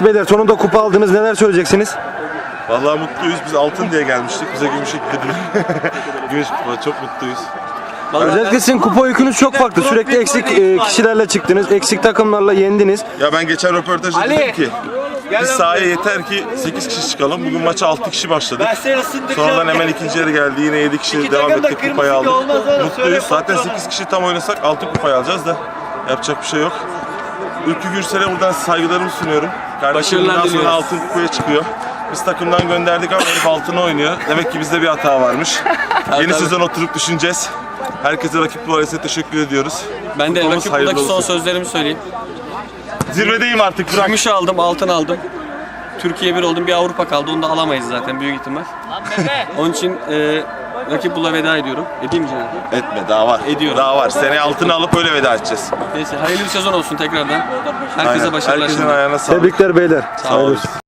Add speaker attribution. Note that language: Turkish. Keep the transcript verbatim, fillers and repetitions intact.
Speaker 1: Beyler sonunda kupa aldınız. Neler söyleyeceksiniz?
Speaker 2: Vallahi mutluyuz. Biz altın diye gelmiştik. Bize gümüş eklediler. Gümüş kupa. Çok mutluyuz.
Speaker 1: Özellikle sizin kupa yükünüz çok farklı. Sürekli eksik e, kişilerle çıktınız. Eksik takımlarla yendiniz.
Speaker 2: Ya ben geçen röportajda dedim ki biz sahaya yeter ki sekiz kişi çıkalım. Bugün maça altı kişi başladık. Sonradan hemen ikinci yarı geldi. Yine yedi kişi devam ettik. Kupayı aldık. Mutluyuz. Zaten sekiz kişi tam oynasak altı kupayı alacağız da yapacak bir şey yok. Ülkü Gürsel'e buradan saygılarımı sunuyorum. Kardeşim bundan sonra altın kupaya çıkıyor. Biz takımdan gönderdik ama herif altına oynuyor. Demek ki bizde bir hata varmış. Yeni sezon oturup düşüneceğiz. Herkese rakip numarasına teşekkür ediyoruz.
Speaker 3: Ben de
Speaker 2: Kupamız
Speaker 3: rakip
Speaker 2: hayırlı
Speaker 3: buradaki son
Speaker 2: olsun.
Speaker 3: sözlerimi söyleyeyim.
Speaker 2: Zirvedeyim artık. Bırak.
Speaker 3: Gümüş aldım, altın aldım. Türkiye bir oldum, bir Avrupa kaldı. Onu da alamayız zaten büyük ihtimal. Onun için e, rakip bula veda ediyorum. Edeyim mi Cenab?
Speaker 2: Etme, daha var.
Speaker 3: Ediyorum.
Speaker 2: Daha var. Seneye altını alıp öyle veda edeceğiz.
Speaker 3: Neyse hayırlı bir sezon olsun tekrardan. Herkese
Speaker 2: Aynen.
Speaker 3: başarılar
Speaker 2: Herkesin
Speaker 3: şimdi.
Speaker 2: ayağına sağlık.
Speaker 1: Tebrikler beyler.
Speaker 2: Sağ olun.